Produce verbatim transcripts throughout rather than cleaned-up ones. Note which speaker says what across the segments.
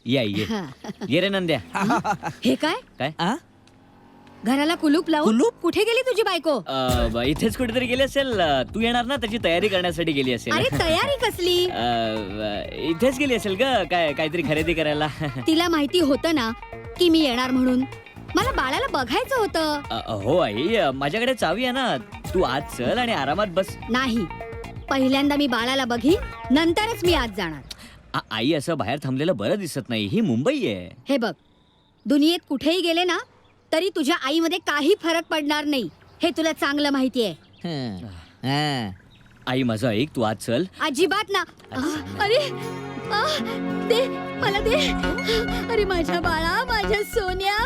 Speaker 1: या ये ये रे नंद्या.
Speaker 2: हे काय
Speaker 1: काय
Speaker 3: आ?
Speaker 2: घराला कुलूप लावून
Speaker 3: कुलूप?
Speaker 2: कुठे गेली तुझी बायको?
Speaker 1: अ, ब- इथेच कुठेतरी गेली असेल. अ, तू येणार ना त्याची तयारी करण्यासाठी गेली असेल.
Speaker 2: अरे तयारी कसली?
Speaker 1: अ, ब- इथेच गेली असेल ग काय काहीतरी खरेदी करायला.
Speaker 2: तिला माहिती होतं ना की मी येणार म्हणून. मला बाळाला बघायचं होतं.
Speaker 1: अ, हो आई अ, माझ्याकडे चावी आहे ना. तू आज चल आणि आरामात बस.
Speaker 2: नाही, पहिल्यांदा मी बाळाला बघीन नंतरच मी आज जाणार.
Speaker 1: आ- आई असं बाहेर थांबलेलं बरं दिसत नाही. ही मुंबई आहे.
Speaker 2: हे बघ, दुनियेत कुठेही गेले ना तरी तुझ्या आईमध्ये काही फरक पडणार नाही, हे तुला चांगलं माहिती आहे.
Speaker 3: हं. हं.
Speaker 1: आई माझं ऐक, तू आज चल.
Speaker 2: अजिबात ना. आ, अरे आ, दे मला दे. अरे माझ्या बाळा, माझ्या सोन्या,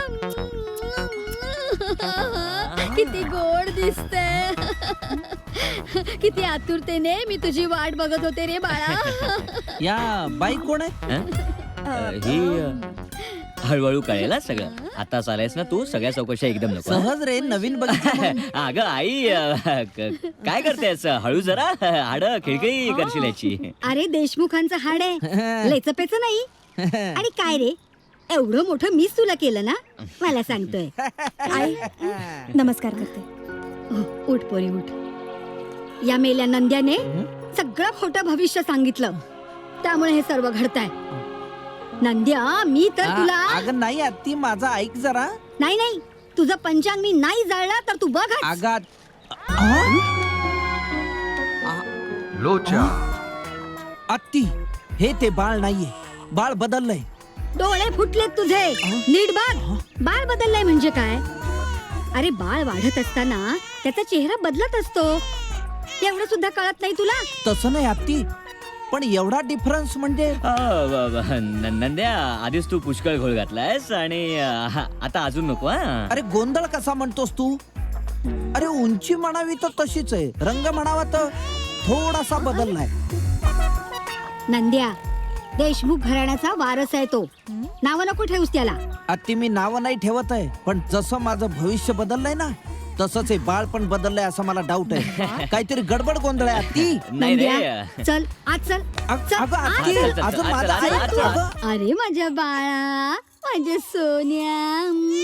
Speaker 2: किती गोड दिसते. किती आतुरतेने मी तुझी वाट बघत होते रे बाळा.
Speaker 3: या बाई कोण आहे?
Speaker 1: हं? अ, ही अ, हळूहळू कळेल हं सगळं. आता चालायस ना तू, सगळ्या चौकशा एकदम नको.
Speaker 3: सहज रे, नवीन बघितलं.
Speaker 1: अगं आई अ, क- काय करतेस? हळू जरा हाड खिळखिळी करशील याची.
Speaker 2: अरे देशमुखांचं हाड आहे, लेचपेच नाही. आणि काय रे, एवढं मोठं मीच तुला केलं ना, मला सांगतोय. आई नमस्कार करते. हो, उठ पोरी उठ. या मेल्या नंद्याने सगळं खोटं भविष्य सांगितलं, त्यामुळे हे सर्व घडतंय. नंद्या, मी तर
Speaker 3: आ,
Speaker 2: तुला
Speaker 3: अगं नाही आत्ती, माझा ऐक जरा.
Speaker 2: नाही नाही, तुझं पंचांग मी नाही जाळला तर तू बघ.
Speaker 3: आगात
Speaker 4: लोचा
Speaker 3: आत्ती, हे ते बाळ नाहीये. बाळ बदललंय.
Speaker 2: डोळे फुटलेत तुझे, नीट बघ. बाळ बदललाय म्हणजे काय? अरे बाळ वाढत असताना त्याचा चेहरा बदलत असतो, एवढं सुद्धा कळत नाही तुला?
Speaker 3: तसं नाही आत्ती, पण एवढा डिफरन्स म्हणजे
Speaker 1: अ, ब- ब- न- नंद्या, आधीच तू पुष्कळ घोळ घातलायस आणि अ, हा, आता अजून नको. हा
Speaker 3: अरे गोंधळ कसा म्हणतोस तू? अरे उंची म्हणावी तर तशीच आहे, रंग म्हणावा तर थोडासा बदललाय.
Speaker 2: नंद्या, देशमुख घराण्याचा वारस आहे तो. नाव नको ठेवूस त्याला.
Speaker 3: आत्ती, मी नाव नाही ठेवत आहे, पण जसं माझं भविष्य बदललंय ना, तसंच हे बाळ पण बदललंय असं मला डाऊट आहे. काहीतरी गडबड गोंधळ आहे आत्ती.
Speaker 1: नाही रे.
Speaker 2: नंद्या, चल आज चल.
Speaker 3: अग-
Speaker 2: चल,
Speaker 3: अगं
Speaker 2: आज
Speaker 3: आत्ती,
Speaker 1: चल, चल,
Speaker 3: अजून
Speaker 1: चल,
Speaker 3: माझं
Speaker 1: चल,
Speaker 3: ऐक
Speaker 1: चल,
Speaker 3: तू,
Speaker 1: चल.
Speaker 3: अगं.
Speaker 2: अरे माझ्या बाळा, माझ्या सोन्या.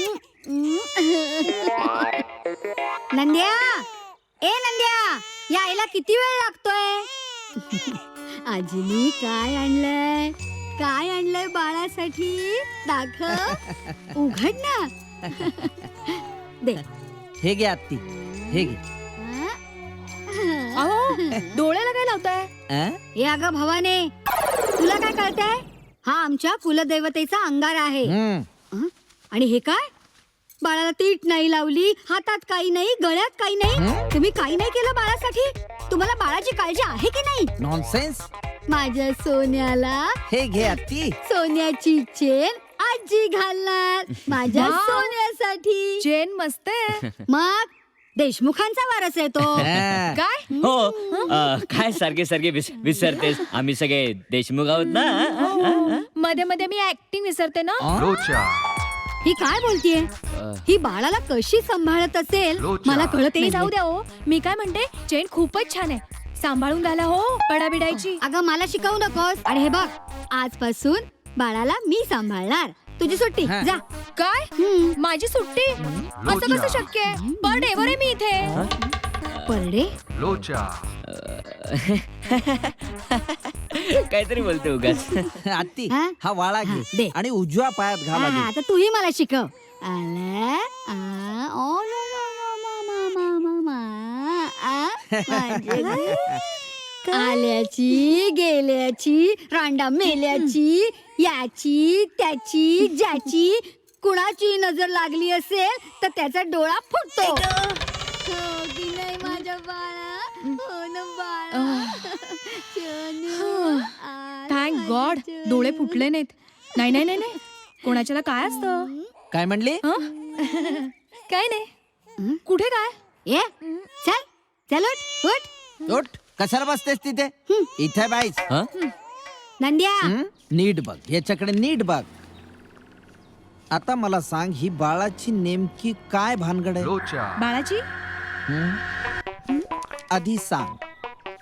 Speaker 2: नंद्या, ए नंद्या, यायला किती वेळ लागतोय? आजीनी काय आणलंय? काय आणलंय बाळासाठी? दाखव, उघड ना. दे.
Speaker 3: हे घे आत्ती, हे घे.
Speaker 2: डोळ्याला काय लावताय?
Speaker 3: अं?
Speaker 2: हे अगं भवाने, तुला काय कळतंय? हा आमच्या कुलदेवतेचा अंगार आहे.
Speaker 3: हम्म.
Speaker 2: हं? आणि हे काय? बाळाला तीट नाही लावली, हातात काही नाही, गळ्यात काही नाही. तुम्ही काही नाही केलं बाळासाठी? तुम्हाला बाळाची काळजी आहे की नाही?
Speaker 3: नॉनसेन्स.
Speaker 2: माझ्या सोन्याला
Speaker 3: हे घे आत्ती.
Speaker 2: सोन्याची चेन आजी घालणार माझ्या सोन्यासाठी.
Speaker 5: चेन मस्त आहे.
Speaker 2: मग देशमुखांचा वारस आहे तो.
Speaker 3: अं.
Speaker 5: काय
Speaker 1: हो अ, काय सारखे सारखे विस- विसरतेस? आम्ही सगळे देशमुख आहोत ना.
Speaker 5: मध्ये मध्ये मी ऍक्टिंग विसरते ना.
Speaker 4: लोचा
Speaker 2: ही काय बोलतीये? ही बाळाला कशी सांभाळत असेल
Speaker 4: लोचा.
Speaker 2: मला कळत
Speaker 5: ते
Speaker 2: नाही.
Speaker 5: जाऊ द्या हो, मी काय म्हणते, चेन खूपच छान आहे, सांभाळून घाला हो, पडाबिडायची.
Speaker 2: अगं मला शिकवू नकोस. आणि हे बघ, आजपासून बाळाला मी सांभाळणार. तुझी सुट्टी,
Speaker 3: हा.
Speaker 2: जा.
Speaker 5: काय
Speaker 2: हम्म.
Speaker 5: माझी सुट्टी? असं कसं शक्य आहे? पर डेवर आहे मी इथे.
Speaker 2: परडे,
Speaker 4: लोचा
Speaker 1: काहीतरी बोलते उगाच.
Speaker 3: आत्ती,
Speaker 2: हा?
Speaker 3: हा वाळा
Speaker 2: हा, दे.
Speaker 3: घे आणि उजव्या पायात घाला
Speaker 2: हा,
Speaker 3: दे.
Speaker 2: आता तूही मला शिकव. आला, आ, ओ, लो, लो, लो, मा, मा, मा, मा, मा, आ, माझे ग. आल्याची गेल्याची रांडा मेल्याची, याची त्याची ज्याची कुणाची नजर लागली असेल तर त्याचा डोळा फुटतो. हो की नाही माझ्या बाळा? हो ना बाळा? चनू, आ,
Speaker 5: थँक गॉड,
Speaker 2: चनू.
Speaker 5: डोळे फुटले नाहीत. नाही नाही नाही नाही, कोणाच्याला काय असतं?
Speaker 3: काय म्हणली?
Speaker 5: हं? काय नाही. कुठे काय?
Speaker 2: ये चल चल उठ उठ.
Speaker 3: उठ, कशाला बसतेस तिथे? इथे बाईस.
Speaker 1: हं?
Speaker 2: नंद्या,
Speaker 3: हं? नीट बघ, याच्याकडे नीट बघ. आता मला सांग, ही बाळाची नेमकी काय भानगड आहे?
Speaker 4: लोचा
Speaker 5: बाळाची?
Speaker 3: हं? आधी सांग.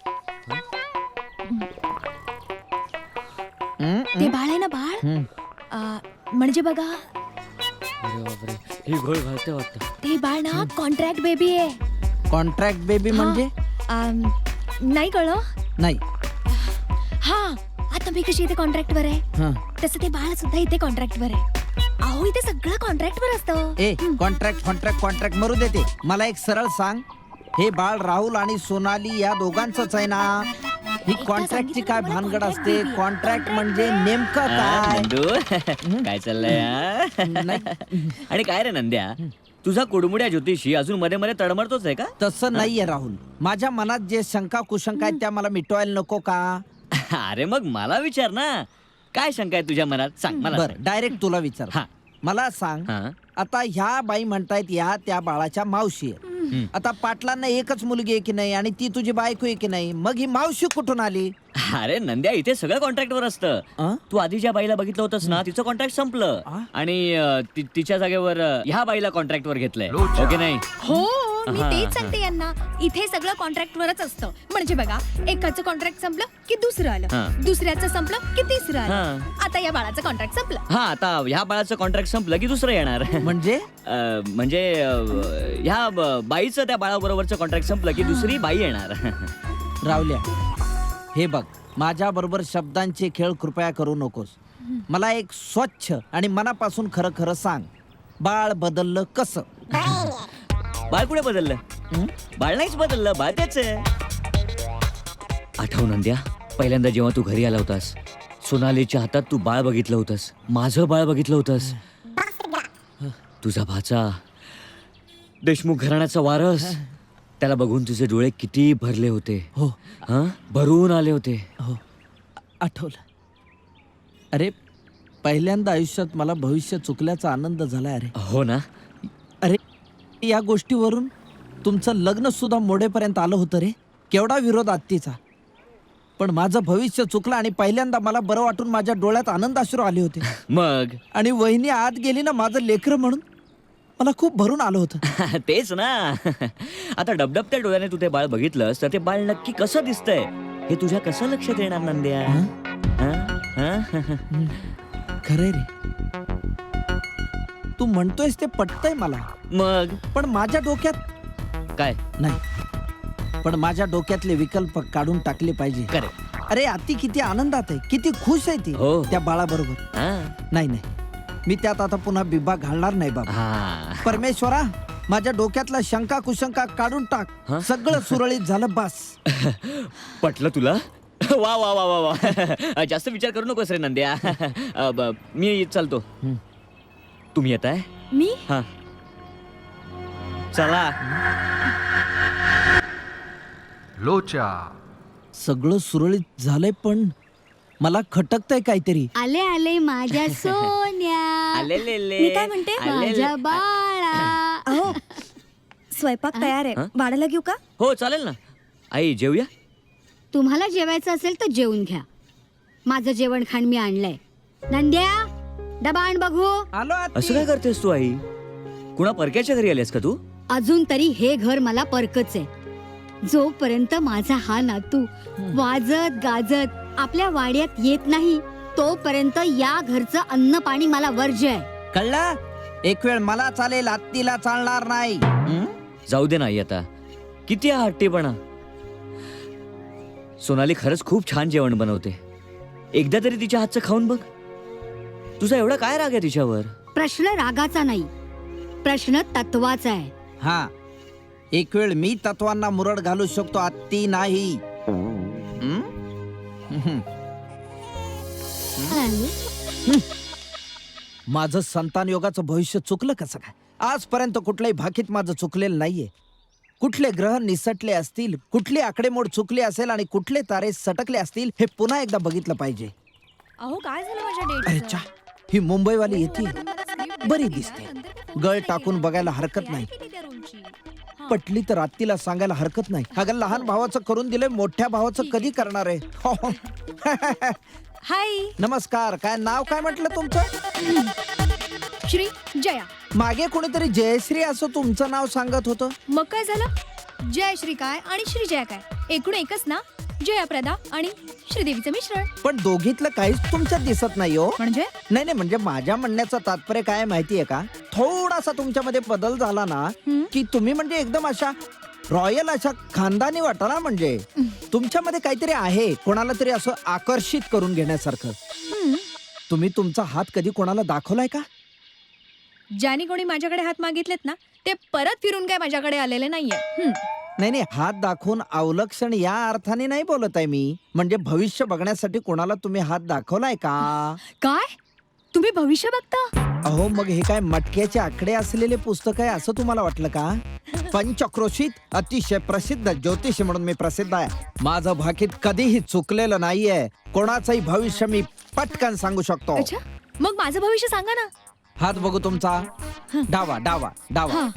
Speaker 3: हं?
Speaker 5: ते बाळ आहे ना बाळ,
Speaker 3: हं.
Speaker 5: आ, म्हणजे बघा
Speaker 1: अरे बापरे, ही घोळ घालते वाटतं.
Speaker 5: ते बाळ ना कॉन्ट्रॅक्ट बेबी आहे.
Speaker 3: कॉन्ट्रॅक्ट बेबी म्हणजे
Speaker 5: आम, नाही कळलं.
Speaker 3: नाही.
Speaker 5: हा आता मी कशी इथे कॉन्ट्रॅक्टवर आहे
Speaker 3: हं.
Speaker 5: तसं ते बाळ सुद्धा इथे कॉन्ट्रॅक्टवर आहे. अहो इथे सगळं कॉन्ट्रॅक्टवर असतं.
Speaker 3: ए कॉन्ट्रॅक्ट कॉन्ट्रॅक्ट कॉन्ट्रॅक्ट मरू देते. मला एक सरळ सांग, हे बाळ राहुल आणि सोनाली या दोघांचंच आहे ना? ही
Speaker 5: एकदा
Speaker 3: कॉन्ट्रॅक्टची
Speaker 5: सांगितलं
Speaker 3: काय
Speaker 5: मला
Speaker 3: भानगड
Speaker 5: contract
Speaker 3: असते?
Speaker 5: baby.
Speaker 3: कॉन्ट्रॅक्ट
Speaker 5: Contract
Speaker 3: म्हणजे नेमकं
Speaker 1: हा,
Speaker 3: काय?
Speaker 1: नंदू काय चाललंय हा?
Speaker 3: नाही.
Speaker 1: आणि काय रे नंद्या, तुझा कुडमुड्या ज्योतिषी अजून मध्ये मध्ये तडमडतोच आहे का?
Speaker 3: तसं नाहीये राहुल. माझ्या मनात जे शंका कुशंका आहेत त्या मला मिटवायला नको का?
Speaker 1: अरे मग मला विचार ना, काय शंका आहे तुझ्या मनात? सांग मला
Speaker 3: बर
Speaker 1: सांग.
Speaker 3: डायरेक्ट तुला विचार.
Speaker 1: हा.
Speaker 3: मला सांग,
Speaker 1: हा.
Speaker 3: आता ह्या बाई म्हणतायत या त्या बाळाच्या मावशी आहेत.
Speaker 1: हम्म.
Speaker 3: आता पाटलांना एकच मुलगी आहे की नाही आणि ती तुझी बायको आहे की नाही? मग ही मावशी कुठून आली?
Speaker 1: अरे नंद्या, इथे सगळं कॉन्ट्रॅक्टवर असतं.
Speaker 3: अं?
Speaker 1: तू आधी ज्या बाईला बघितलं होतंस ना, तिचं कॉन्ट्रॅक्ट संपलं
Speaker 3: आ?
Speaker 1: आणि अं, ति- तिच्या जागेवर अं, ह्या बाईला कॉन्ट्रॅक्टवर घेतलंय.
Speaker 4: लोचा.
Speaker 1: ओके नाही?
Speaker 5: हो मी
Speaker 1: हा,
Speaker 5: तेच
Speaker 1: हा.
Speaker 5: सांगते यांना. इथे सगळं कॉन्ट्रॅक्टवरच असतं. म्हणजे बघा, एकाचं कॉन्ट्रॅक्ट संपलं की दुसरं
Speaker 1: हा.
Speaker 5: आलं, दुसऱ्याचं संपलं की तिसरं आलं.
Speaker 1: हा.
Speaker 5: आता या बाळाचं कॉन्ट्रॅक्ट संपलं.
Speaker 1: हा, आता ह्या बाळाचं कॉन्ट्रॅक्ट संपलं की दुसरं येणार.
Speaker 3: म्हणजे
Speaker 1: अं, म्हणजे अं, ह्या ब- बाईचं त्या बाळाबरोबरचं कॉन्ट्रॅक्ट संपलं की दुसरी बाई येणार.
Speaker 3: रावल्या, हे बघ, माझ्या बरोबर शब्दांचे खेळ कृपया करू नकोस. मला एक स्वच्छ आणि मनापासून खरं खरं सांग, बाळ बदललं कसं?
Speaker 1: बाळ कुठे बदललं?
Speaker 3: हं?
Speaker 1: बाळ नाहीच बदललं, बाळ तेच आहे. आठव नंद्या, पहिल्यांदा जेव्हा तू घरी आला होतास, सोनालीच्या हातात तू बाळ बघितलं होतंस, माझं बाळ बघितलं होतंस. तुझा भाचा देशमुख घराण्याचा वारस, त्याला बघून तुझे डोळे किती भरले होते.
Speaker 3: हो
Speaker 1: हा, भरून आले होते.
Speaker 3: हो आठवलं. अरे पहिल्यांदा आयुष्यात मला भविष्य चुकल्याचा आनंद झालाय. अरे
Speaker 1: हो ना?
Speaker 3: अरे या गोष्टीवरून तुमचं लग्न सुद्धा मोडेपर्यंत आलं होतं रे. केवढा विरोध आत्तीचा, पण माझं भविष्य चुकलं आणि पहिल्यांदा मला बरं वाटून माझ्या डोळ्यात आनंदाश्रू आले होते.
Speaker 1: मग
Speaker 3: आणि वहिनी आत गेली ना माझं लेकरं म्हणून, मला खूप भरून आलं होतं.
Speaker 1: तेच ना. आता डबडबत्या डोळ्याने तू ते बाळ बघितलंस तर ते बाळ नक्की कसं दिसतंय हे तुझ्या कसं लक्षात येणार नंद्या?
Speaker 3: हं?
Speaker 1: हा? हा?
Speaker 3: खरंय रे, तू म्हणतोयस ते पटतंय मला,
Speaker 1: मग
Speaker 3: पण माझ्या डोक्यात
Speaker 1: काय?
Speaker 3: नाही. पण माझ्या डोक्यातले विकल्प काढून टाकले पाहिजे.
Speaker 1: करे
Speaker 3: अरे आत्ती किती आनंदात आहे, किती खुश आहे ती
Speaker 1: हो.
Speaker 3: त्या बाळाबरोबर.
Speaker 1: हा.
Speaker 3: नाही नाही, मी त्यात आता पुन्हा बिब्बा घालणार नाही बाबा.
Speaker 1: हा.
Speaker 3: परमेश्वरा, माझ्या डोक्यातला शंका कुशंका काढून टाक.
Speaker 1: हं?
Speaker 3: सगळं सुरळीत झालं बस.
Speaker 1: पटलं तुला? वा वा वा वा वा. जास्त विचार करू नकोस रे नंद्या. अ, ब- मी चालतो.
Speaker 3: हं.
Speaker 1: तुम्ही येत आहे?
Speaker 5: मी
Speaker 1: हा, चला.
Speaker 4: लोचा.
Speaker 3: सगळं सुरळीत झालंय, पण मला खटकतंय काहीतरी.
Speaker 2: आले आले माझ्या सोन्या,
Speaker 1: आलेलेले.
Speaker 5: मी काय म्हणते?
Speaker 1: आलेले.
Speaker 2: माझ्या बाळा.
Speaker 5: अहो स्वयंपाक तयार आहे,
Speaker 1: हं?
Speaker 5: वाढायला घेऊ का?
Speaker 1: हो चालेल ना. आई जेवूया.
Speaker 2: तुम्हाला जेवायचं असेल तर जेवून घ्या. माझं जेवण खाण मी आणलंय. नंद्या, डबा आण बघू.
Speaker 3: आलो आत्ती.
Speaker 1: असं काय करतेस तू आई? कुणा परक्याच्या घरी आलीस का तू?
Speaker 2: अजून तरी हे घर मला परकच आहे. जोपर्यंत माझा हा नातू वाजत गाजत आपल्या वाड्यात येत नाही, तोपर्यंत या घरचं अन्न पाणी मला वर्ज्य आहे.
Speaker 3: कळलं? एक वेळ मला चालेल, आत्तीला चालणार नाही. हं?
Speaker 1: जाऊ दे ना आई आता. किती हा हट्टीपणा. सोनाली खरंच खूप छान जेवण बनवते. एकदा तरी तिच्या हातचं खाऊन बघ. तुझा एवढा काय राग आहे तिच्यावर?
Speaker 2: प्रश्न रागाचा नाही, प्रश्न तत्वाचा आहे.
Speaker 3: हा, एक वेळ मी तत्वांना मुरड घालू शकतो, आत्ती नाही. हं? हं. माझं संतान योगाचं भविष्य चुकलं कसं काय? आजपर्यंत कुठल्याही भाकीत माझं चुकलेलं नाहीये. कुठले ग्रह निसटले असतील, कुठली आकडेमोड चुकली असेल आणि कुठले तारे सटकले असतील हे पुन्हा एकदा बघितलं पाहिजे.
Speaker 5: अहो काय झालं माझ्या
Speaker 3: अरे
Speaker 5: डेट?
Speaker 3: चा, ही मुंबईवाली येते, बरी दिसते. गळ टाकून बघायला हरकत नाही. पटली तर आत्तीला सांगायला हरकत नाही. अगं लहान भावाचं करून दिलंय, मोठ्या भावाचं कधी करणार आहे?
Speaker 5: हाय
Speaker 3: नमस्कार. काय नाव काय म्हटलं तुमचं?
Speaker 5: श्री जया.
Speaker 3: मागे कोणीतरी जयश्री असं तुमचं नाव सांगत होतं.
Speaker 5: मग काय झालं? जय श्री काय आणि श्री जया काय एकूण एकच ना. जया प्रदा आणि श्रीदेवीचं मिश्रण.
Speaker 3: पण दोघीतलं काहीच तुमच्यात दिसत नाही हो.
Speaker 5: म्हणजे
Speaker 3: नाही नाही म्हणजे माझ्या म्हणण्याचं तात्पर्य काय माहितीये का, थोडासा तुमच्यामध्ये बदल झाला ना की तुम्ही म्हणजे एकदम अशा रॉयल अशा खानदानी वाटाला. म्हणजे तुमच्यामध्ये काहीतरी आहे, कोणाला तरी असं आकर्षित करून घेण्यासारखं. तुम्ही तुमचा हात कधी कोणाला दाखवलाय का?
Speaker 5: ज्याने कोणी माझ्याकडे हात मागितलेत ना ते परत फिरून काय माझ्याकडे आलेले नाहीये. हम्म.
Speaker 3: नाही नाही हात दाखवून अवलक्षण या अर्थाने नाही बोलत आहे मी. म्हणजे भविष्य बघण्यासाठी कोणाला तुम्ही हात दाखवलाय का?
Speaker 5: काय तुम्ही भविष्य बघता?
Speaker 3: अहो मग हे काय मटक्याचे आकडे असलेले पुस्तक आहे असं तुम्हाला वाटलं का? पंचक्रोशीत अतिशय प्रसिद्ध ज्योतिष म्हणून मी प्रसिद्ध आहे. माझं भाकीत कधीही चुकलेलं नाहीये. कोणाचंही भविष्य मी पटकन सांगू शकतो.
Speaker 5: अच्छा, मग माझं भविष्य सांगा ना.
Speaker 3: हात बघू तुमचा. डावा डावा डावा.
Speaker 5: हा.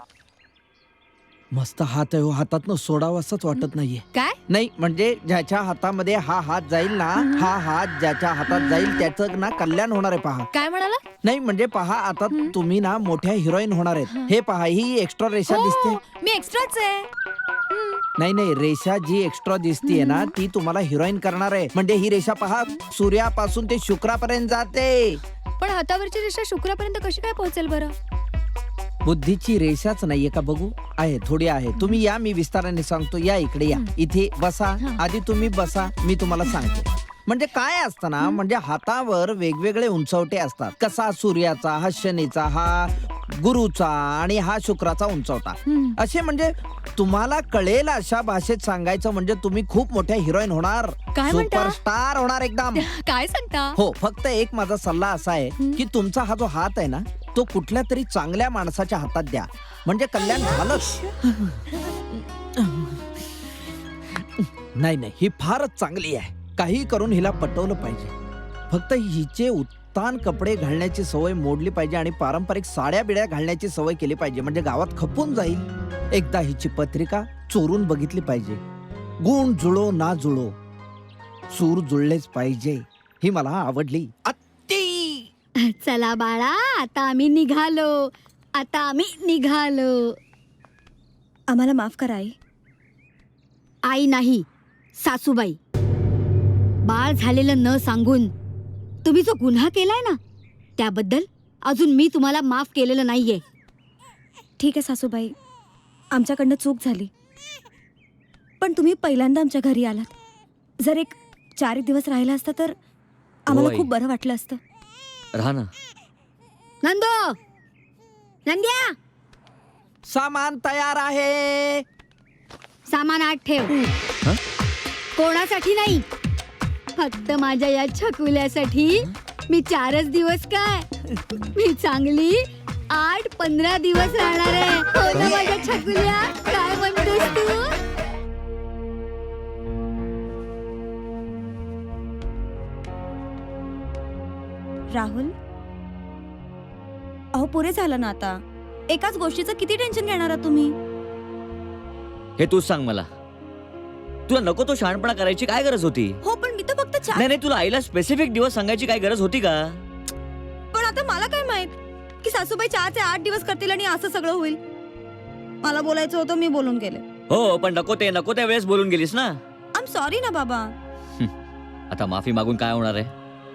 Speaker 3: मस्त हात आहे हो, हातातनं सोडावं असंच वाटत नाहीये.
Speaker 5: काय?
Speaker 3: नाही म्हणजे ज्याच्या हातामध्ये हा हात जाईल ना, हा हात ज्याच्या हातात जाईल त्याचं ना कल्याण होणार आहे. पहा.
Speaker 5: काय म्हणाला?
Speaker 3: नाही म्हणजे पहा आता तुम्ही ना मोठ्या हिरोईन होणार आहेत. हे पहा ही एक्स्ट्रा रेषा दिसते.
Speaker 5: हो, मी एक्स्ट्राच आहे.
Speaker 3: नाही नाही रेषा जी एक्स्ट्रा दिसतीये ना ती तुम्हाला हिरोईन करणार आहे. म्हणजे ही रेषा पहा सूर्यापासून ते शुक्रापर्यंत जाते.
Speaker 5: पण हातावरची रेषा शुक्रापर्यंत कशी काय पोहोचेल बरं?
Speaker 3: बुद्धीची रेषाच नाहीये का? बघू आहे, थोडी आहे. तुम्ही या, मी विस्ताराने सांगतो. या इकडे या, इथे बसा. आधी तुम्ही बसा, मी तुम्हाला सांगतो. म्हणजे काय असतं ना, म्हणजे हातावर वेगवेगळे उंचवटे असतात. कसा सूर्याचा, हा शनीचा, हा गुरुचा आणि हा शुक्राचा उंचवटा. असे म्हणजे तुम्हाला कळेल अशा भाषेत सांगायचं म्हणजे तुम्ही खूप मोठ्या हिरोईन होणार.
Speaker 5: काय म्हणता?
Speaker 3: सुपरस्टार होणार एकदम.
Speaker 5: काय सांगता?
Speaker 3: हो, फक्त एक माझा सल्ला असा आहे की तुमचा हा जो हात आहे ना तो कुठल्या तरी चांगल्या माणसाच्या हातात द्या, म्हणजे कल्याण झालंच. नाही नाही ही फारच चांगली आहे. काही करून हिला पटवलं पाहिजे. फक्त हिचे उत्तान कपडे घालण्याची सवय मोडली पाहिजे आणि पारंपरिक साड्या बिड्या घालण्याची सवय केली पाहिजे. म्हणजे गावात खपून जाईल. एकदा हिची पत्रिका चोरून बघितली पाहिजे. गुण जुळो ना जुळो, सूर जुळलेच पाहिजे. ही मला आवडली. अत्ती.
Speaker 2: चला बाळा, आता आम्ही निघालो. आता आम्ही निघालो.
Speaker 5: आम्हाला माफ करा आई.
Speaker 2: आई नाही, सासूबाई. बाळ झालेलं न सांगून तुम्ही जो गुन्हा केलाय ना त्याबद्दल अजून मी तुम्हाला माफ केलेलं नाहीये.
Speaker 6: ठीक आहे सासूबाई, आमच्याकडनं चूक झाली. पण तुम्ही पहिल्यांदा आमच्या घरी आलात. जर एक चार एक दिवस राहिला असता तर आम्हाला
Speaker 1: होय.
Speaker 6: खूप बरं वाटलं असतं.
Speaker 1: राहा ना.
Speaker 2: नंदो, नंद्या,
Speaker 3: सामान तयार आहे.
Speaker 2: सामान आत ठेव.
Speaker 1: हं?
Speaker 2: कोणासाठी नाही, फक्त माझ्या या छकुल्यासाठी. मी चारच दिवस काय, मी चांगली आठ पंधरा दिवस राहणार आहे. हो ना माझ्या छकुल्या, काय म्हणतेस तू?
Speaker 6: राहुल, अहो पुरे झालं ना आता. एकाच गोष्टीचं किती टेन्शन घेणार आहात तुम्ही?
Speaker 1: हे तूच सांग मला, तुला नको तो शहाणपणा करायची काय गरज होती?
Speaker 6: हो पण मी तर फक्त चार.
Speaker 1: नाही नाही तुला आईला स्पेसिफिक दिवस सांगायची काय गरज होती का?
Speaker 6: पण आता मला काय माहित की सासूबाई चार ते आठ दिवस करतील आणि असं सगळं होईल. मला बोलायचं होतं, मी बोलून गेले.
Speaker 1: हो पण नको ते नको त्या वेळेस बोलून गेलीस ना.
Speaker 6: आय एम सॉरी ना बाबा.
Speaker 1: आता माफी मागून काय होणार आहे?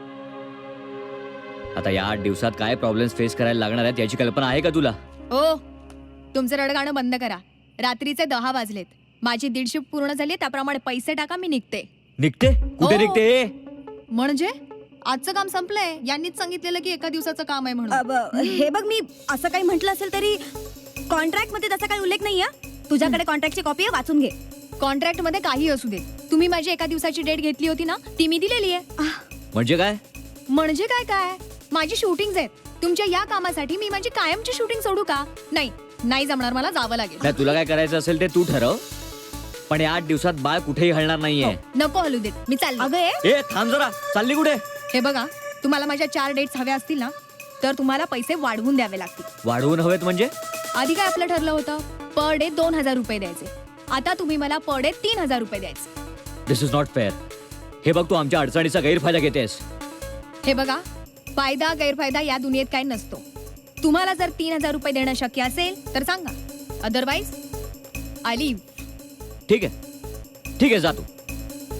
Speaker 1: आता या आठ दिवसात काय प्रॉब्लेम्स फेस करायला लागणार आहेत याची कल्पना आहे का तुला?
Speaker 5: ओ, तुमचं रडगाणं बंद करा. रात्रीचे दहा वाजलेत. माझी दीड शिफ्ट पूर्ण झाली, त्याप्रमाणे पैसे टाका, मी निघते.
Speaker 1: निघते? कुठे
Speaker 5: हो.
Speaker 1: निघते?
Speaker 5: म्हणजे आजचं काम संपलंय. यांनीच सांगितलेलं की एका दिवसाचं काम आहे म्हणून.
Speaker 6: अब, हे बघ, मी असं काही म्हटलं असेल तरी कॉन्ट्रॅक्ट मध्ये त्याचा काही उल्लेख नाही. तुझ्याकडे कॉन्ट्रॅक्टची कॉपी आहे, वाचून घे.
Speaker 5: कॉन्ट्रॅक्ट मध्ये काही असू दे, तुम्ही माझी एका दिवसाची डेट घेतली होती ना, ती मी दिलेली आहे.
Speaker 1: म्हणजे काय?
Speaker 5: म्हणजे काय काय माझी शूटिंग आहेत. तुमच्या या कामासाठी मी माझी कायमची शूटिंग सोडू का? नाही नाही जमणार, मला जावं लागेल.
Speaker 1: नाही तुला काय करायचं असेल ते तू ठरव, पण या आठ दिवसात बाळ कुठेही हलणार नाहीये.
Speaker 5: नको हलू देत, मी चालले.
Speaker 6: अगं ए,
Speaker 1: ए थांब जरा, चालली कुठे?
Speaker 5: हे बघा, तुम्हाला माझ्या चार डेट्स हव्या असतील ना तर तुम्हाला पैसे वाढवून द्यावे लागतील.
Speaker 1: वाढवून हवेत म्हणजे?
Speaker 5: आधी काय आपलं ठरलं होतं, पर डे दोन हजार रुपये द्यायचे. आता तुम्ही मला पर डे तीन हजार रुपये द्यायचे.
Speaker 1: This is not fair. हे बघ तू आमच्या अडचणीचा गैरफायदा घेतेस.
Speaker 5: हे बघा, फायदा गैरफायदा या दुनियेत काय नसतो. तुम्हाला जर तीन हजार रुपये देणं शक्य असेल तर सांगा, अदरवाईज आय लिव्ह.
Speaker 1: ठीक आहे ठीक आहे, जा तू.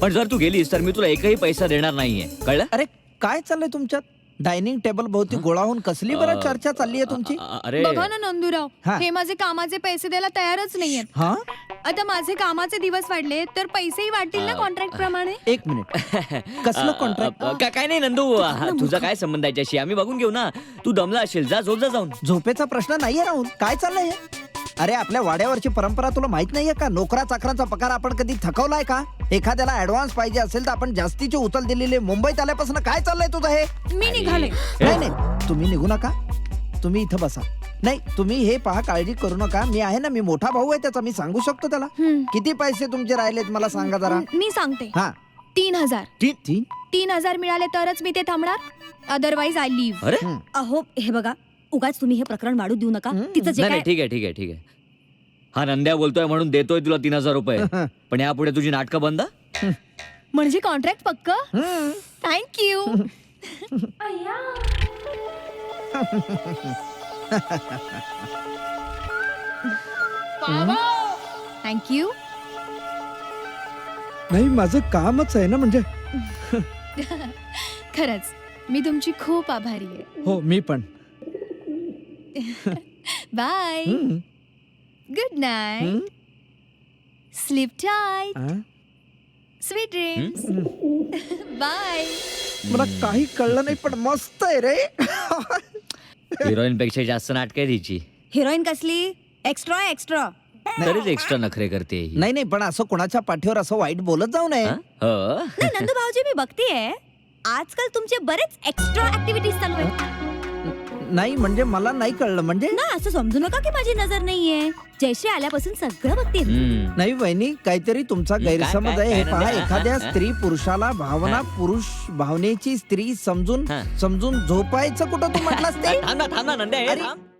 Speaker 1: पण जर तू गेलीस तर मी तुला एकही पैसा देणार नाहीये, कळलं?
Speaker 3: अरे काय चाललंय तुमच्यात? डायनिंग टेबल भोवती गोळा होऊन कसली बरं चर्चा चालली आहे तुमची?
Speaker 1: अ- अरे
Speaker 5: बघा ना नंदूराव,
Speaker 3: हा.
Speaker 5: हे माझे कामाचे पैसे द्यायला तयारच नाहीयेत.
Speaker 3: हा
Speaker 5: आता माझे कामाचे दिवस वाढले तर पैसेही वाढतील ना कॉन्ट्रॅक्ट प्रमाणे.
Speaker 3: एक मिनिट कसलं कॉन्ट्रॅक्ट?
Speaker 1: अ- अ- का- काय नाही नंदू, हा, तुझा काय संबंध आहे याच्याशी? आम्ही बघून घेऊ ना. तू दमला असेल, जा झोप जा जाऊन.
Speaker 3: झोपेचा प्रश्न नाहीये राहुल. काय चाललंय हे? अरे आपल्या वाड्यावरची परंपरा तुला माहित नाहीये का? नोकरा चाकरांचा पगार आपण कधी थकवलाय का? एखाद्याला ऍडव्हान्स पाहिजे असेल तर आपण जास्तीची उचल दिलेली. मुंबईत आल्यापासून काय चाललंय तुझं हे?
Speaker 5: मी निघाले.
Speaker 3: नाही नाही तुम्ही निघू नका, तुम्ही इथं बसा. नाही तुम्ही हे पहा, काळजी करू नका. मी आहे ना, मी मोठा भाऊ आहे त्याचा, मी सांगू शकतो त्याला. किती पैसे तुमचे राहिलेत मला सांगा जरा.
Speaker 5: मी सांगते,
Speaker 3: हा
Speaker 5: तीन हजार
Speaker 3: तीन तीन
Speaker 5: तीन हजार मिळाले तरच मी ते थांबणार, अदरवाईज आय लिव्ह.
Speaker 1: अरे
Speaker 6: अहो हे बघा, उगाच तुम्ही हे प्रकरण वाढू देऊ नका. तिचं जे
Speaker 1: नाही
Speaker 6: काय
Speaker 1: नाही, ठीक आहे ठीक आहे ठीक आहे. हा नंद्या बोलतोय म्हणून देतोय तुला तीन हजार रुपये, पण यापुढे तुझी नाटकं बंद.
Speaker 5: म्हणजे कॉन्ट्रॅक्ट पक्क. थँक्यू. थँक्यू.
Speaker 3: नाही माझं कामच आहे ना, म्हणजे
Speaker 5: खरंच मी तुमची खूप आभारी आहे.
Speaker 3: हो मी पण.
Speaker 5: Bye. Good night. Sleep tight.
Speaker 3: आ?
Speaker 5: Sweet dreams. बाय.
Speaker 3: मला काही कळलं नाही पण मस्त आहे रे.
Speaker 1: हिरोईन पेक्षा जास्त नाटक आहे तिची,
Speaker 6: हिरोईन कसली एक्स्ट्रा एक्स्ट्रा.
Speaker 1: तरीच एक्स्ट्रा नखरे करते ही.
Speaker 3: नाही नाही पण असं कोणाच्या पाठीवर असं वाईट बोलत जाऊ नये.
Speaker 1: हा? हो.
Speaker 6: नाही नंदू भाऊजी, मी बघतेय आजकाल तुमचे बरेच एक्स्ट्रा ऍक्टिव्हिटीज चालू आहेत.
Speaker 3: नाही म्हणजे मला नाही कळलं. म्हणजे
Speaker 6: ना असं समजू नका की माझी नजर नाहीये. जयश्री आल्यापासून सगळं बघते.
Speaker 1: हम्म.
Speaker 3: नाही वहिनी, काहीतरी तुमचा
Speaker 1: काय-
Speaker 3: गैरसमज
Speaker 1: काय-
Speaker 3: आहे. हे
Speaker 1: काय
Speaker 3: पहा,
Speaker 1: नंद्या?
Speaker 3: एखाद्या
Speaker 1: हा?
Speaker 3: स्त्री पुरुषाला भावना,
Speaker 1: हा?
Speaker 3: पुरुष भावनेची स्त्री समजून
Speaker 1: हा.
Speaker 3: समजून झोपायचं कुठं तू म्हटलास ते?
Speaker 1: थांब ना थांब ना नंद्या, हे
Speaker 3: अरे,
Speaker 1: थांब.